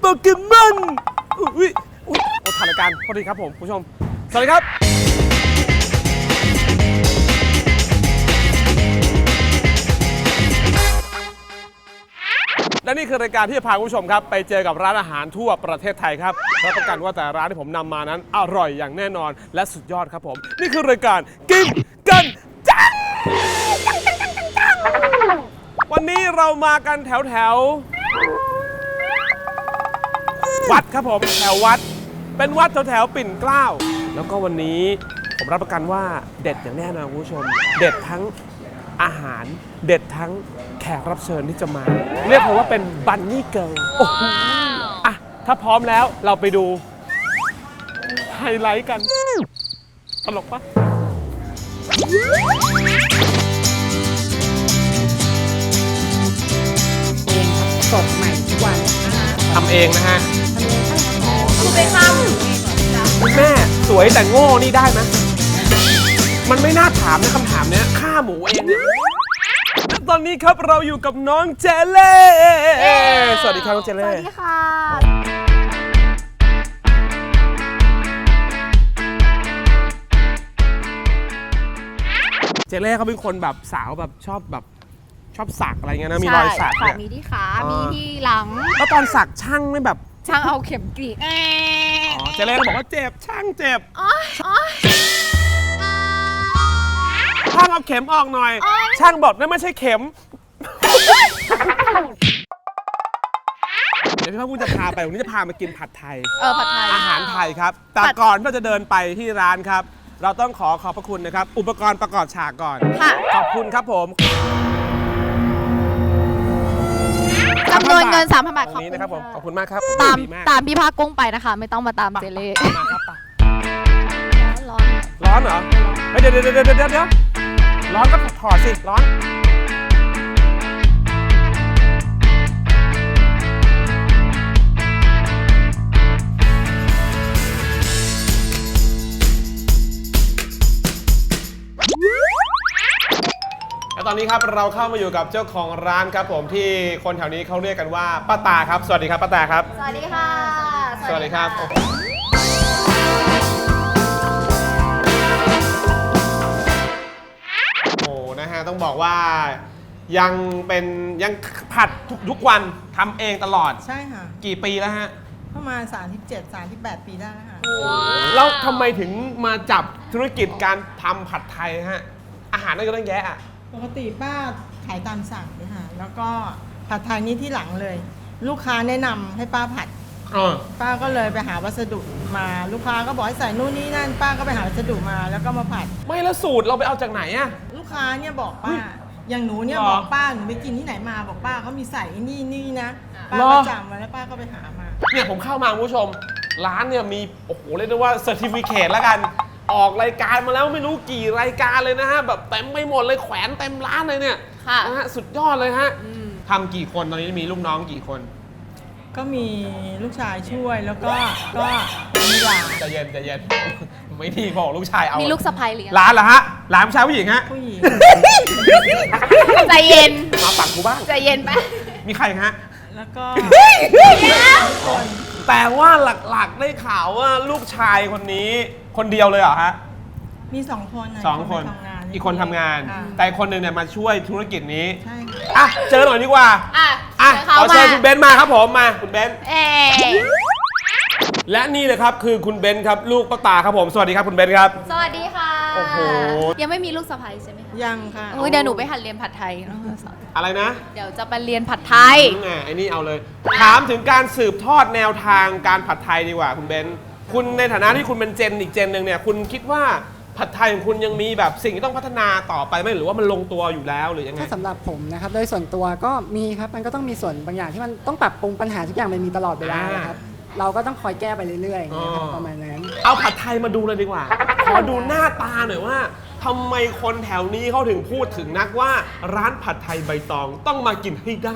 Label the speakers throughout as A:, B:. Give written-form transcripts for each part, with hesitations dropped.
A: เกมอนอุ้ยถ่ายรายการพอดีครับผมผู้ชมสวัสดีครับและนี่คือรายการที่จะพาคุณผู้ชมครับไปเจอกับร้านอาหารทั่วประเทศไทยครับรับประกันว่าแต่ร้านที่ผมนำมานั้นอร่อยอย่างแน่นอนและสุดยอดครับผมนี่คือรายการกินกันจังวันนี้เรามากันแถววัดครับผมแถววัดเป็นวัดแถวปิ่นเกล้าแล้วก็วันนี้ผมรับประกันว่าเด็ดอย่างแน่นอนคุณผู้ชมเด็ดทั้งอาหารเด็ดทั้งแขกรับเชิญที่จะมาเรียกผมว่าเป็นบันนี่เกิร์ลโอ้โหอ่ะถ้าพร้อมแล้วเราไปดูไฮไลท์กันตลกปะ
B: สดใหม่ทุกวัน
A: ทำเองนะฮะ
B: คือไปข้าม
A: คุณแม่สวยแต่โง่นี่ได้ไหมมันไม่น่าถามนะคำถามเนี้ยฆ่าหมูเองเนี่ยตอนนี้ครับเราอยู่กับน้องเจเล่สวัสดีครับน้องเจเล่
B: สวัสดีค่ะ
A: เจเล่เขาเป็นคนแบบสาวแบบชอบสักอะไรเงี้ยนะมีรอยสักเนี่ย
B: มีที่ขามีที่หลัง
A: แล้วตอนสักช่างไม่แบบ
B: ช่างเอาเข็มกรีด
A: เจเล่เขาบอกว่าเจ็บช่างเจ็บช่างเอาเข็มออกหน่อยช่างบอกนั่นไม่ใช่เข็มเดี๋ยวพี่พ่อพูดจะพาไปวันนี้จะพามากินผัดไทย
B: ผัดไทย
A: อาหารไทยครับแต่ก่อนที่เราจะเดินไปที่ร้านครับเราต้องขอบพระคุณนะครับอุปกรณ์ประกอบฉากก่อนขอบคุณครับผม
B: จำนวนเงิน 3,000 บาท
A: ตรงนี้นะครับผมขอบคุณมากครับ
B: ตามพี่ภาคกุ้งไปนะคะไม่ต้องมาตามเจเล่
A: มาครับปะ
B: ร้อน
A: ร้อนเหรอเดี๋ยวร้อนก็ถอดสิร้อนและตอนนี้ครับเราเข้ามาอยู่กับเจ้าของร้านครับผมที่คนแถวนี้เขาเรียกกันว่าป้าตาครับสวัสดีครับป้าตาครับ
B: สวัสดีค่ะ
A: สวัสดีครับโอ้นะฮะต้องบอกว่ายังผัดทุกวันทำเองตลอด
C: ใช่ค่ะ
A: กี่ปีแล้วฮะ
C: ประมาณ37-38 ปีได้แล้วค่ะ
A: แล้วทำไมถึงมาจับธุรกิจการทำผัดไทยฮะอาหารนั่นก็ต้องแยะ
C: ปกติป้าขายตามสั่งเลยค่ะแล้วก็ผัดไทยนี่ที่หลังเลย ลูกค้าแนะนำให้ป้าผัดป้าก็เลยไปหาวัสดุมาลูกค้าก็บอกให้ใส่นู่นนี่นั่นป้าก็ไปหาวัสดุมาแล้วก็มาผัด
A: ไม่แล้วสูตรเราไปเอาจากไหนอะ
C: ลูกค้าเนี่ยบอกป้าอย่างหนูเนี่ยบอกป้าหนูไปกินที่ไหนมาบอกป้าเขามีใส่นี่นะป้าก็จำมาแล้วป้าก็ไปหามา
A: เนี่ยผมเข้ามาคุณผู้ชมร้านเนี่ยมีโอ้โหเรียกได้ว่าเซอร์ติฟิเคตแล้วกันออกรายการมาแล้วไม่รู้กี่รายการเลยนะฮะแบบเต็มไปหมดเลยแขวนเต็มร้านเลยเนี่ยนะฮะสุดยอดเลยฮะทำกี่คนตอนนี้มีลูกน้องกี่คน
C: ก็มีลูกชายช่วยแล้วก็มีหลาน
A: ใจเย็นไม่ดีบอกลูกชายเอา
B: มีลูกสะใภ้เลี้ยง
A: ร้านเหรอฮะร้านผู้ชายผู้หญิงฮะ
C: ผู้หญิง
B: ใจเย็น
A: มาปักกูบ้าง
B: ใจเย็นไป
A: มีใครฮะ
C: แล้วก็
A: แต่ว่าหลักๆได้ข่าวว่าลูกชายคนนี้คนเดียวเลยเหรอฮะ
C: มี2 คน
A: 2 คนอีกคนทำงานแต่คนหนึ่งเนี่ยมาช่วยธุรกิจนี้
C: ใช่
A: อ่ะเจอหน่อยดีกว่าขอเชิญคุณเบนซ์มาครับผมมาคุณเบนซ์และนี่เลยครับคือคุณเบนซ์ครับลูกป้าตาครับผมสวัสดีครับคุณเบนซ์ครับ
B: สวัสดีค่ะ
A: โอ้โห
B: ยังไม่มีลูกสะใภ้ใช่ไหม
C: ยังค่ะ
B: เดี๋ยวหนูไปหัดเรียนผัดไทย
A: อะไรนะ
B: เดี๋ยวจะไปเรียนผัดไทย
A: ไอ้นี่เอาเลยถามถึงการสืบทอดแนวทางการผัดไทยดีกว่าคุณเบนซ์คุณในฐานะที่คุณเป็นอีกเจนหนึ่งเนี่ยคุณคิดว่าผัดไทยของคุณยังมีแบบสิ่งที่ต้องพัฒนาต่อไปไหมหรือว่ามันลงตัวอยู่แล้วหรือยังไง
D: ถ้าสำหรับผมนะครับโดยส่วนตัวก็มีครับมันก็ต้องมีส่วนบางอย่างที่มันต้องปรับปรุงปัญหาทุกอย่างมันมีตลอดเวลาครับเราก็ต้องคอยแก้ไปเรื่อยๆนะครับประมาณนั้น
A: เอาผัดไทยมาดูเลยดีกว่าขอดูหน้าตาหน่อยว่าทำไมคนแถวนี้เขาถึงพูดถึงนักว่าร้านผัดไทยใบตองต้องมากินให้ได้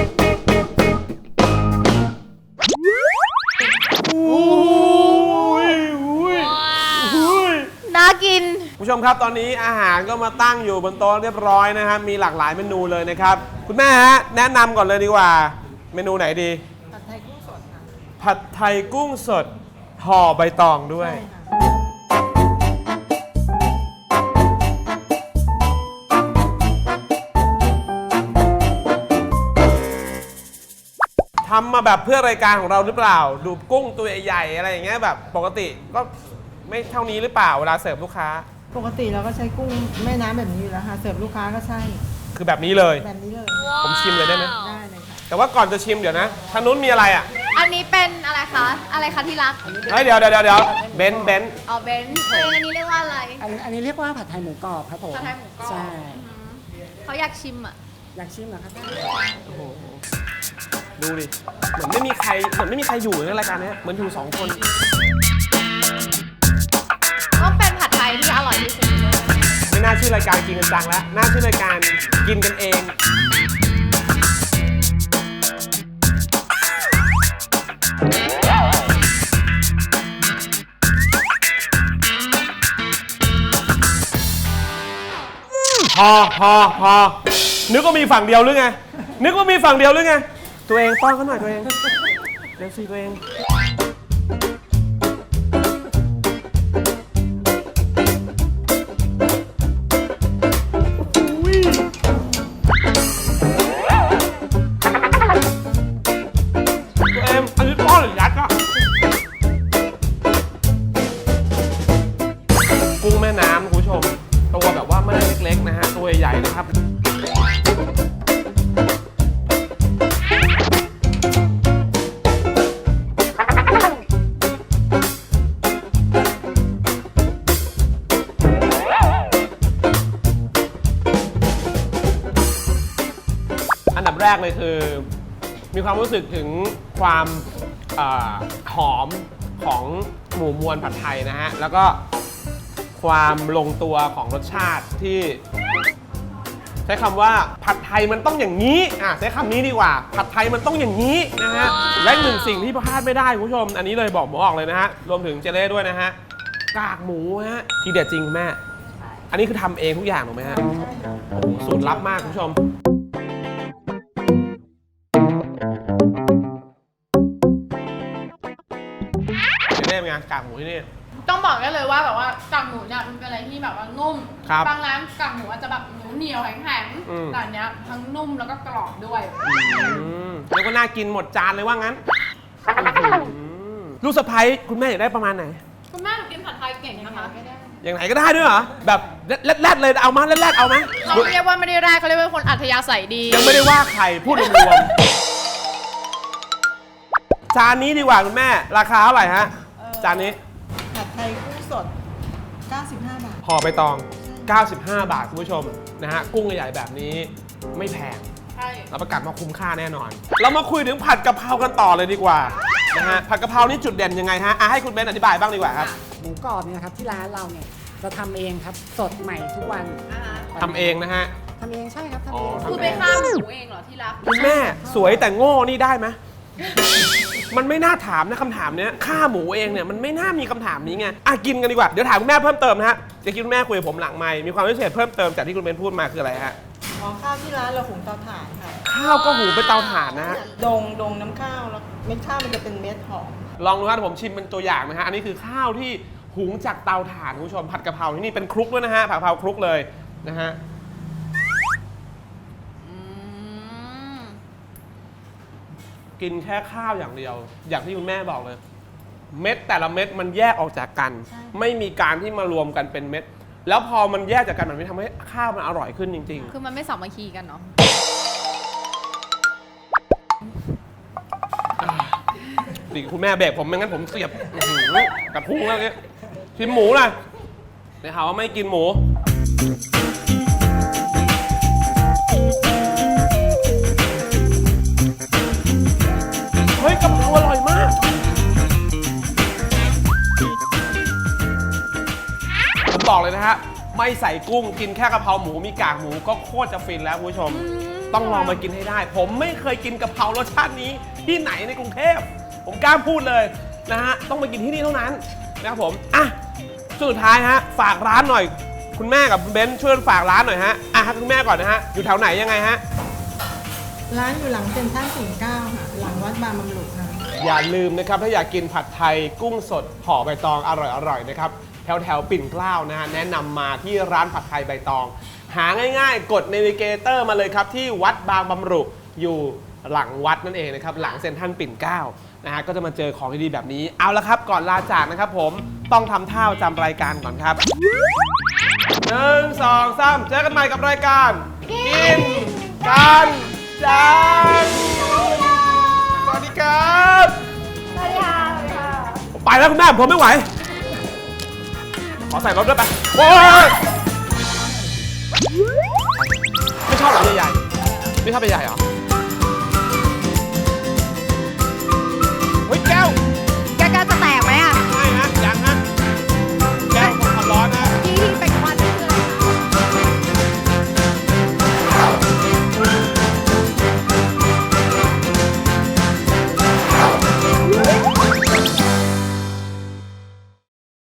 A: ยผู้ชมครับตอนนี้อาหารก็มาตั้งอยู่บนโต๊ะเรียบร้อยนะครับมีหลากหลายเมนูเลยนะครับคุณแม่ฮะแนะนำก่อนเลยดีกว่าเมนูไหนดี
C: ผัดไทยกุ้งสดค่ะ
A: ผัดไทยกุ้งสดห่อใบตองด้วย
C: ใช่ค่ะ
A: ทำมาแบบเพื่อรายการของเราหรือเปล่าดูกุ้งตัวใหญ่ๆอะไรอย่างเงี้ยแบบปกติก็ไม่เท่านี้หรือเปล่าเวลาเสิร์ฟลูกค้า
C: ปกติเราก็ใช้กุ้งแม่น้ำแบบนี้อยู่แล้วค่ะเสิร์ฟลูกค้าก็ใช่
A: คือแบบนี้เลย
C: แบบนี้เลย
A: ผมชิมเลยได้ไหม
C: ได้เลยค่ะ
A: แต่ว่าก่อนจะชิมเดี๋ยวนะทางนู้นมีอะไรอ่ะ
B: อันนี้เป็นอะไรคะ อะไรคะที่รัก
A: เฮ้ยเดี๋ยวเบนซ์
B: อ๋อเบนซ์อันนี้เรียกว่าอะไร
D: อันนี้เรียกว่าผัดไทยหมูกรอบครับผม
B: ผัดไทยหมูกรอบ
D: ใช่
B: เขาอยากชิมอ่ะ
D: อยากชิมเหรอครับ
A: ดูดิเหมือนไม่มีใครอยู่ในรายการเนี้ยเหมือนอยู่2 คน
B: ก็เป็นผัดไทยที่อร่อยที่สุดในโลก
A: ไม่น่าชื่อรายการกินกันจังแล้วน่าชื่อรายการกินกันเองพอนึกว่ามีฝั่งเดียวหรือไงตัวเองป้อนเขาหน่อยตัวเองเดี๋ยวสิตัวเองอันนี้ป้อนหรือยัดอะกุ้งแม่น้ำคุณผู้ชมตัวแบบว่าไม่ได้เล็กๆนะฮะตัวใหญ่ๆนะครับอันดับแรกเลยคือมีความรู้สึกถึงความหอมของหมูมวลผัดไทยนะฮะแล้วก็ความลงตัวของรสชาติที่ใช้คำว่าผัดไทยมันต้องอย่างนี้ใช้คำนี้ดีกว่าผัดไทยมันต้องอย่างนี้นะฮะและหนึ่งสิ่งที่พลาดไม่ได้คุณผู้ชมอันนี้เลยบอกเลยนะฮะรวมถึงเจเล่ด้วยนะฮะกากหมูฮะทีเด็ดจริงแม่อันนี้คือทำเองทุกอย่างถูกไหมฮะโอ้โหสูตรลับมากคุณผู้ชมเจเล่เป็นไงกากหมูที่นี่
B: ต้องบอกได้เลยว่าแบบว่ากากหมูเนี่ยมันเป็นอะไรที่แบบว่านุ่ม บางร้านกากหมูอาจจะแบบเหนียวแข็งๆแต่อันเนี้ยทั้งนุ่มแล้วก็กรอบด้วย
A: แล้วก็น่ากินหมดจานเลยว่างั้นลูกสะใภ้คุณแม่อยากได้ประมาณไหน
B: คุณแม่กินผัดไทยเก่งนะคะ
A: อย่างไหนก็ได้ด้วยเหรอแบบแรดเลยเอามาแรดเอาไหม
B: เขาเรียกว่าไม่ได้แรกเขาเรียกว่าคนอัธยาศัยดี
A: ยังไม่ได้ว่าใครพูดรวมๆจานนี้ดีกว่าคุณแม่ราคาเท่าไหร่ฮะจานนี้
C: ผัดไทยกุ้งสด95 บาท
A: ห่อใบตอง95 บาทคุณผู้ชมนะฮะกุ้งใหญ่ๆแบบนี้ไม่แพงรับประกันว่าคุ้มค่าแน่นอนเรามาคุยถึงผัดกะเพรากันต่อเลยดีกว่านะฮะผัดกะเพรานี่จุดเด่นยังไงฮะให้คุณเบนอธิบายบ้างดีกว่าครับ
D: หมูกรอบเนี่ยครับที่ร้านเราเนี่ยจะทำเองครับสดใหม่ทุกวัน
A: ทำเองนะฮะ
D: ทำเองใช่ครับทำเอง
B: คือไปฆ่าหมูเองเหรอที่รัก
A: คุณแม่สวยแต่โง่นี่ได้ไหมมันไม่น่าถามนะคำถามเนี้ยฆ่าหมูเองเนี่ยมันไม่น่ามีคำถามนี้ไงกินกันดีกว่าเดี๋ยวถามคุณแม่เพิ่มเติมนะฮะจะคิดคุณแม่คุยกับผมหลังไมค์มีความพิเศษเพิ่มเติมจากที่คุณเบนพูดมาคืออะไรฮะ
C: ข้าวที่ร้านเราหุงเตาถ่านค่ะ
A: ข้าวก็หุงเป็นเตาถ่านนะฮะ
C: ดงน้ำข้าวแล้วเม็ดข้าวมันจะเป็นเม็ดหอม
A: ลองดูครับผมชิมเป็นตัวอย่างนะฮะอันนี้คือข้าวที่หุงจากเตาถ่านคุณผู้ชมผัดกะเพราที่นี่เป็นคลุกด้วยนะฮะผัดกะเพราคลุกเลยนะฮะกินแค่ข้าวอย่างเดียวอย่างที่คุณแม่บอกเลยเม็ดแต่ละเม็ดมันแยกออกจากกันไม่มีการที่มารวมกันเป็นเม็ดแล้วพอมันแยกจากกันมันไม่ทำให้ข้าวมันอร่อยขึ้นจริง
B: ๆคือมันไม่สามัคคีกันเนาะ
A: ดิคุณแม่เบรกผมไม่งั้นผมเสียบกระพุ้งแล้วเนี่ยชิมหมูนะเดี๋ยวหาว่าไม่กินหมูเฮ้ยกะเพราอร่อยมากผมบอกเลยนะฮะไม่ใส่กุ้งกินแค่กะเพราหมูมีกากหมูก็โคตรจะฟินแล้วคุณผู้ชมต้องลองมากินให้ได้ผมไม่เคยกินกะเพรารสชาตินี้ที่ไหนในกรุงเทพผมกล้าพูดเลยนะฮะต้องมากินที่นี่เท่านั้นนะครับผมสุดท้ายฮะฝากร้านหน่อยคุณแม่กับคุณเบนซ์ช่วยฝากร้านหน่อยฮะให้คุณแม่ก่อนนะฮะอยู่แถวไหนยังไงฮะ
C: ร้านอยู่หลังเซ็นทรัลปิ่นเกล้าค่ะ หลังวัดบางบำรุค่ะ
A: อย่าลืมนะครับถ้าอยากกินผัดไทยกุ้งสดห่อใบตองอร่อยๆนะครับแถวปิ่นเกล้านะฮะแนะนำมาที่ร้านผัดไทยใบตอง หาง่ายๆ กดเนวิเกเตอร์มาเลยครับที่วัดบางบำรุอยู่หลังวัดนั่นเองนะครับหลังเซ็นทรัลปิ่นเกล้านะฮะก็จะมาเจอของดีๆแบบนี้เอาละครับก่อนลาจากนะครับผมต้องทำท่าจำรายการก่อนครับ 1 2 3 เจอกันใหม่กับรายการกินกันจังสวัสดีครับสวัสดีค่ะไปแล้วคุณแม่ผมไม่ไหวขอใส่รถด้วยไปโอ้ยไม่ชอบหรอใหญ่ๆไม่ชอบใหญ่ๆเหรอ